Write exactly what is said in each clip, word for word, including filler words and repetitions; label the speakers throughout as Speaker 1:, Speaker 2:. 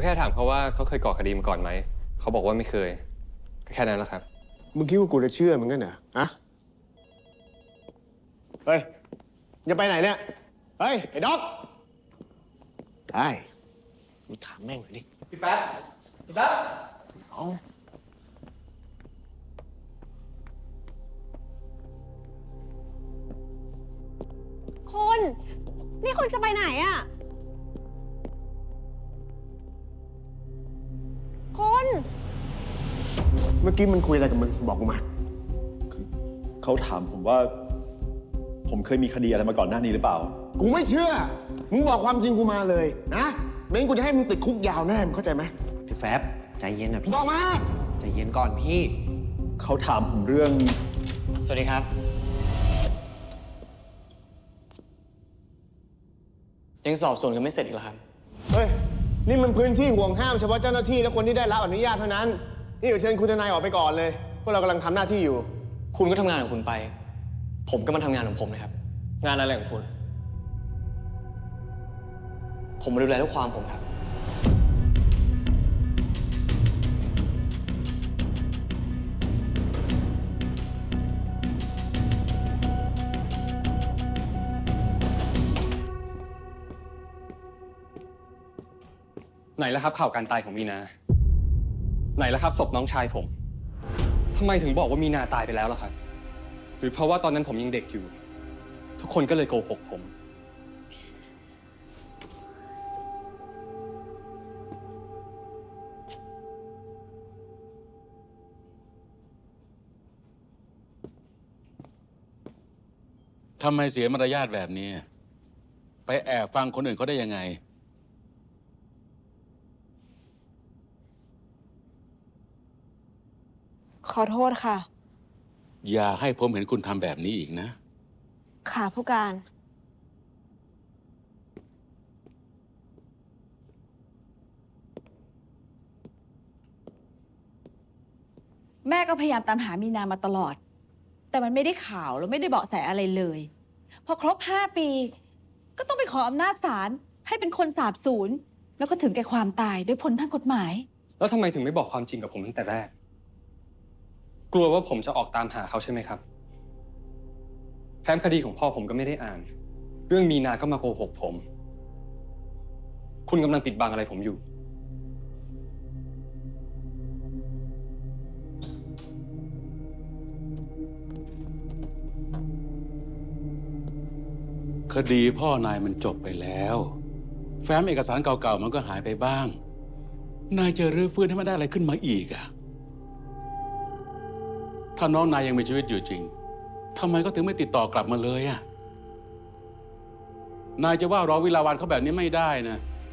Speaker 1: แค่ถามเขาว่าเขาเคยก่อคดีมาก่อนไหมเขาบอกว่าไม่เคยแค่นั้นแหละครับ
Speaker 2: มึงคิดว่ากูจะเชื่อมึงกันเหรออะเฮ้ยจะไปไหนเนี่ยเฮ้ยไอ้ด็อกได้มึงถามแม่งหน่อยดิ
Speaker 1: พี่แป๊บพี่แป๊บ
Speaker 2: เอา
Speaker 3: คุณนี่คุณจะไปไหนอะคุณ
Speaker 2: เมื่อกี้มันคุยอะไรกับมึงบอกกูมา
Speaker 4: เขาถามผมว่า ผมเคยมีคดีอะไรมาก่อนหน้านี้หรือเปล่า
Speaker 2: กูไม่เชื่อมึงบอกความจริงกูมาเลยนะไม่งั้นกูจะให้มึงติดคุกยาวแน่มึงเข้าใจไหม
Speaker 5: พี่แฟบใจเย็นนะพี่
Speaker 2: บอกมา
Speaker 5: ใจเย็นก่อนพี่
Speaker 4: เขาถามผมเรื่อง
Speaker 5: สวัสดีครับ ยังสอบสวนกันไม่เสร็จอีกเหรอครับ
Speaker 2: เฮ้ยนี่มันพื้นที่ห่วงห้ามเฉพาะเจ้าหน้าที่และคนที่ได้รับอนุญาตเท่านั้นนี่เดี๋ยวเชิญคุณทนายออกไปก่อนเลยพวกเรากำลังทำหน้าที่อยู่
Speaker 5: คุณก็ทำงานของคุณไป ผมก็มาทำงานของผมนะครับ
Speaker 1: งานอะไรของคุณ
Speaker 5: ผมมาดูแลลูกความผมครับ
Speaker 1: ไหนแล้วครับข่าวการตายของมีนาไหนแล้วครับศพน้องชายผมทำไมถึงบอกว่ามีนาตายไปแล้วล่ะครับหรือเพราะว่าตอนนั้นผมยังเด็กอยู่ ทุกคนก็เลยโกหกผม
Speaker 6: ทำไมเสียมารยาทแบบนี้ ไปแอบฟังคนอื่นเขาได้ยังไง
Speaker 3: ขอโทษค่ะ
Speaker 6: อย่าให้ผมเห็นคุณทำแบบนี้อีกนะ
Speaker 3: ค่ะผู้การ
Speaker 7: แม่ก็พยายามตามหามีนามาตลอด แต่มันไม่ได้ข่าวแล้วไม่ได้เบาะแสอะไรเลย พอครบห้าปี ก็ต้องไปขออำนาจศาลให้เป็นคนสาบสูญแล้วก็ถึงแก่ความตายด้วยผลทางกฎหมาย
Speaker 1: แล้วทำไมถึงไม่บอกความจริงกับผมตั้งแต่แรกกลัวว่าผมจะออกตามหาเขาใช่ไหมครับแฟ้มคดีของพ่อผมก็ไม่ได้อ่าน เรื่องมีนาก็มาโกหกผม คุณกำลังปิดบังอะไรผมอยู่
Speaker 6: คดีพ่อนายมันจบไปแล้ว แฟ้มเอกสารเก่าๆมันก็หายไปบ้าง นายจะรื้อฟื้นให้มันได้อะไรขึ้นมาอีกอะถ้าน้องนายยังมีชีวิตอยู่จริงทำไมก็ถึงไม่ติดต่อกลับมาเลยอะนายจะว่ารอวิลาวันเขาแบบนี้ไม่ได้นะ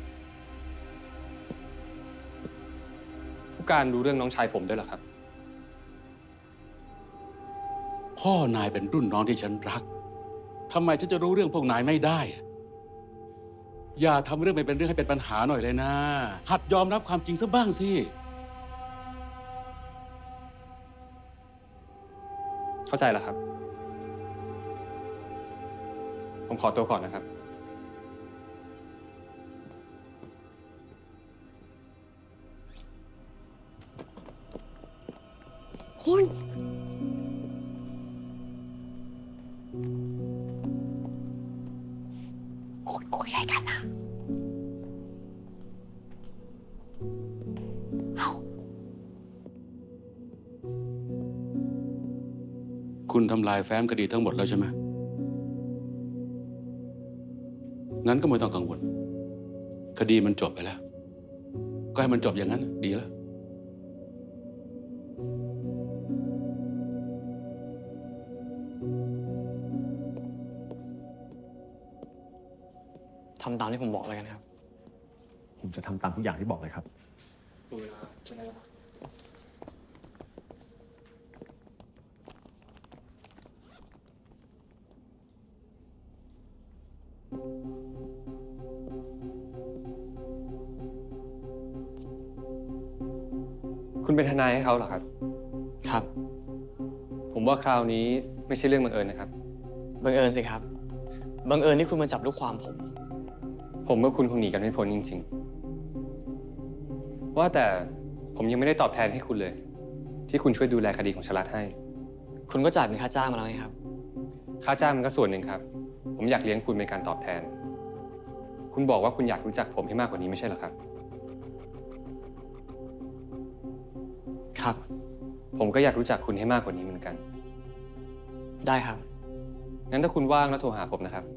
Speaker 1: ผู้การรู้เรื่องน้องชายผมด้วยเหรอครับ
Speaker 6: พ่อนายเป็นรุ่นน้องที่ฉันรักทำไมฉันจะรู้เรื่องพวกนายไม่ได้ อย่าทำเรื่องไม่เป็นเรื่องให้เป็นปัญหาหน่อยเลยนะ หัดยอมรับความจริงซะบ้างสิ
Speaker 1: เข้าใจแล้วครับ ผมขอตัวก่อนนะครับ
Speaker 3: คุณ คุณคุยอะไรกันนะเอา
Speaker 6: คุณทำลายแฟ้มคดีทั้งหมดแล้วใช่ไหมงั้นก็ไม่ต้องกังวล คดีมันจบไปแล้ว ก็ให้มันจบอย่างนั้นดีแล้ว
Speaker 5: ทำตามที่ผมบอกแล้วกันครับ
Speaker 4: ผมจะทำตามทุกอย่างที่บอกเลยครับ
Speaker 1: คุณเป็นทนายให้เขาเหรอครับ
Speaker 5: ครับ
Speaker 1: ผมว่าคราวนี้ไม่ใช่เรื่องบังเอิญนะครับ
Speaker 5: บังเอิญสิครับ บังเอิญที่คุณมาจับลูกความผม
Speaker 1: ผมกับคุณคงหนีกันไม่พ้นจริงว่าแต่ผมยังไม่ได้ตอบแทนให้คุณเลย ที่คุณช่วยดูแลคดีของชลัดให้
Speaker 5: คุณก็จ่ายเป็นค่าจ้างมาแล้วไงครับ
Speaker 1: ค่าจ้างมันก็ส่วนหนึ่งครับ ผมอยากเลี้ยงคุณเป็นการตอบแทน คุณบอกว่าคุณอยากรู้จักผมให้มากกว่านี้ไม่ใช่เหรอครับ
Speaker 5: ครับ
Speaker 1: ผมก็อยากรู้จักคุณให้มากกว่านี้เหมือนกัน
Speaker 5: ได้ครับ
Speaker 1: งั้นถ้าคุณว่างแล้วโทรหาผมนะครับ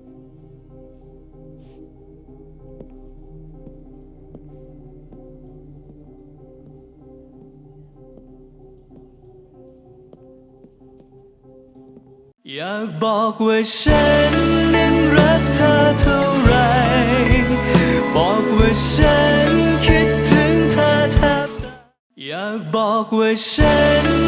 Speaker 8: อยากบอกว่าฉันนั้นรักเธอเท่าไหรบอกว่าฉันคิดถึงเธอแทบตายอยากบอกว่าฉัน